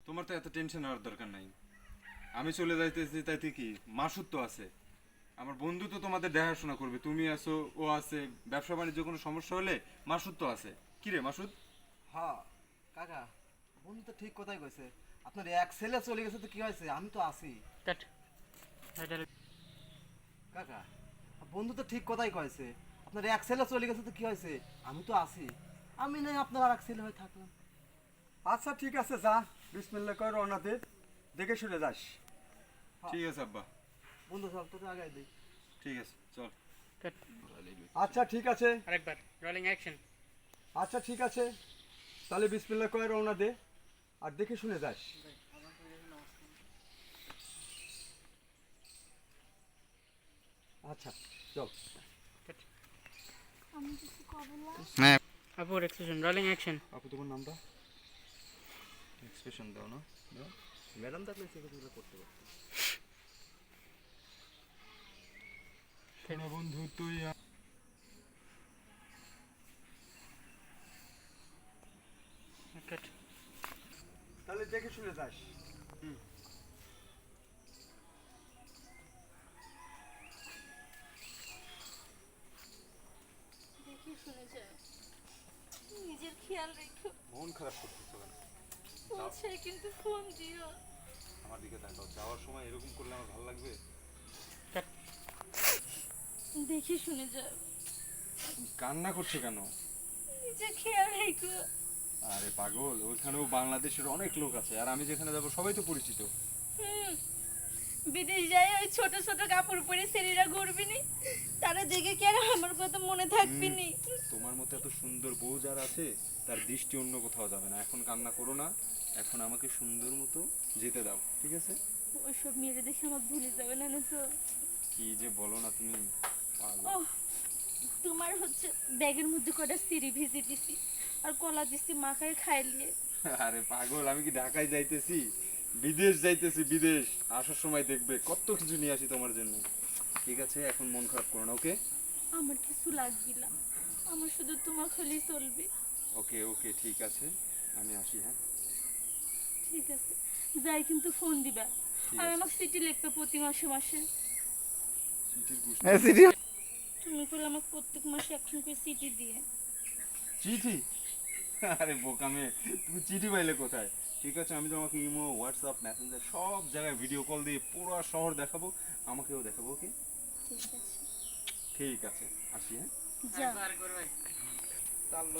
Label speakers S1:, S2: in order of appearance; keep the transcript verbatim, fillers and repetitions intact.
S1: তোমার তো এত টেনশন হওয়ার দরকার নাই। আমি চলে যাইতেছি তাইতে কি, মাসুদ তো আছে, আমার বন্ধু তো তোমাদের দেখাশোনা করবে। তুমি আছো, ও আছে, ব্যবসা বাণিজ্য কোনো সমস্যা হলে মাসুদ তো আছে। কি রে মাসুদ?
S2: হ্যাঁ কাকা, বন্ধু তো ঠিক কথাই কইছে। আপনার এক ছেলে চলে গেছে তো কি হয়েছে, আমি তো আছি।
S3: কাট এটা
S2: কাকা, বন্ধু তো ঠিক কথাই কয়েছে। আপনার এক ছেলে চলে গেছে তো কি হয়েছে, আমি তো আছি। আমি নাই আপনার আর এক ছেলে হয়ে থাকলাম।
S4: আচ্ছা ঠিক আছে, যা বিসমিল্লাহ কর, রওনা দে, দেখে শুনে যাস।
S1: ঠিক আছে আব্বা,
S2: বন্ধু চল তোকে আগাই দিই।
S1: ঠিক আছে চল।
S3: কাট
S4: আচ্ছা ঠিক আছে,
S3: আরেকবার রোলিং অ্যাকশন।
S4: আচ্ছা ঠিক আছে, তাহলে বিসমিল্লাহ কর, রওনা দে, আর দেখে শুনে যাস। আচ্ছা চল।
S5: আমি কিছু কব না।
S3: হ্যাঁ আপুর এক্সপ্রেশন রোলিং অ্যাকশন।
S1: আপু তোমার নামটা? এক্সপ্রেশন দাও না, দাও।
S2: ম্যাডাম থাকলে সেগুলো করতে পারতো।
S1: শোনো বন্ধু, তুই আ-
S3: কাট
S4: তাহলে দেখে শুনে যাস।
S5: দেখি শুনে যায়, নিজের খেয়াল রেখো।
S1: মন খারাপ করতেছো কেন?
S5: পৌঁছে কিন্তু ফোন দিও।
S1: আমার দিকে তাকাও, যাওয়ার সময় এরকম করলে আমার ভালো লাগবে?
S3: কাট
S5: দেখি শুনে যাও,
S1: তুমি কান্না করছো কেন?
S5: নিজের খেয়াল রেখো।
S1: আরে পাগল, ওইখানেও বাংলাদেশের অনেক লোক আছে, আর আমি যেখানে যাবো সবাই তো পরিচিত।
S5: হুম, বিদেশ যায় ওই ছোট ছোট কাপড় পরে ছেলেরা ঘুরবি নি, তারা দেখে কি আর আমার কথা মনে থাকবি নি?
S1: তোমার মতো এত সুন্দর বউ যার আছে, তার দৃষ্টি অন্য কোথাও যাবে না। এখন কান্না করো না, এখন আমাকে সুন্দর মতো যেতে দাও, ঠিক আছে?
S5: ওইসব মেয়েরা দেখে আমার ভুলে যাবে না না তো।
S1: কি যে বলো না তুমি, পাগল।
S5: ও, তোমার হচ্ছে ব্যাগের মধ্যে কটা সিঁড়ি ভিজে দিছি আর কলা দিছি মাখায় খাইলিয়ে।
S1: আরে পাগল, আমি কি ঢাকায় যাইতেছি? বিদেশ যাইতেছি, বিদেশ। আসার সময় দেখবে কত কিছু নিয়ে আসি তোমার জন্য। ঠিক আছে, এখন মন খারাপ করো না, ওকে?
S5: আমার কিছু লাগবে না, আমার শুধু তোমার হলেই চলবে।
S1: ওকে ওকে ঠিক আছে, আমি আসি, হ্যাঁ?
S5: ঠিক আছে, যাই কিন্তু ফোন দিবা।
S1: ঠিক
S5: আর
S1: আছে।
S5: আমাকে সিটি লিখবে প্রতি মাসে মাসে।
S1: চিঠির গুষ্টি।
S5: তুমি বলে আমাকে প্রত্যেক মাসে একখান করে সিটি দিয়ে।
S1: চিঠি? আরে বোকা মেয়ে, তুমি চিঠি পাইলে কোথায়? ঠিক আছে, আমি তোমাকে ইমো, হোয়াটসঅ্যাপ, মেসেঞ্জার সব জায়গায় ভিডিও কল দিয়ে পুরো শহর দেখাবো, আমাকেও দেখাবো, ওকে?
S5: ঠিক আছে,
S1: ঠিক আছে, আসি, হ্যাঁ?
S5: যা।
S3: আর করবে